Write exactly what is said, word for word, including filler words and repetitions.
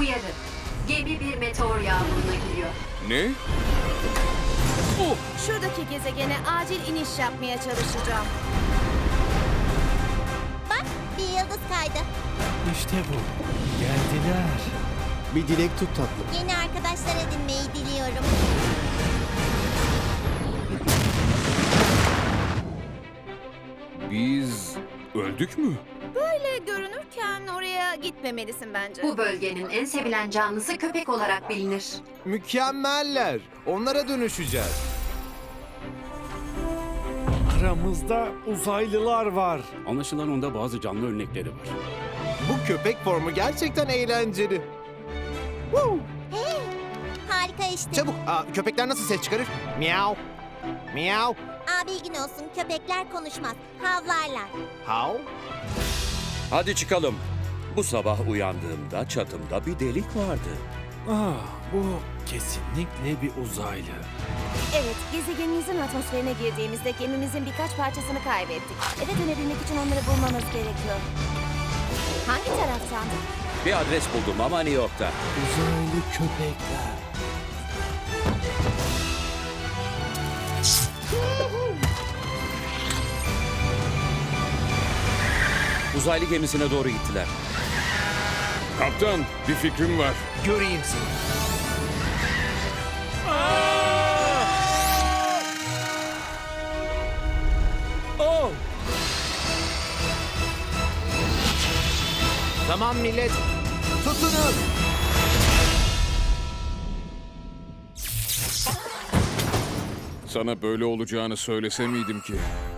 Uyarı. Gemi bir meteor yağmuruna giriyor. Ne? Şuradaki gezegene acil iniş yapmaya çalışacağım. Bak, bir yıldız kaydı. İşte bu. Geldiler. Bir dilek tut tatlım. Yeni arkadaşlar edinmeyi diliyorum. Biz öldük mü? Böyle görünürken oraya gitmemelisin bence. Bu bölgenin en sevilen canlısı köpek olarak bilinir. Mükemmeller. Onlara dönüşeceğiz. Aramızda uzaylılar var. Anlaşılan onda bazı canlı örnekleri var. Bu köpek formu gerçekten eğlenceli. Hey, harika işte. Çabuk. Aa, köpekler nasıl ses çıkarır? Miau. Miau. Aa, bilgin olsun, köpekler konuşmaz, havlarlar. How? Hadi çıkalım. Bu sabah uyandığımda çatımda bir delik vardı. Ah, bu kesinlikle bir uzaylı. Evet, gezegenimizin atmosferine girdiğimizde gemimizin birkaç parçasını kaybettik. Eve dönebilmek için onları bulmamız gerekiyor. Hangi taraftan? Bir adres buldum ama New York'ta. Uzaylı köpekler. Uzaylı gemisine doğru gittiler. Kaptan, bir fikrim var. Göreyim seni. Oh! Tamam millet. Tutunun. Sana böyle olacağını söylese miydim ki?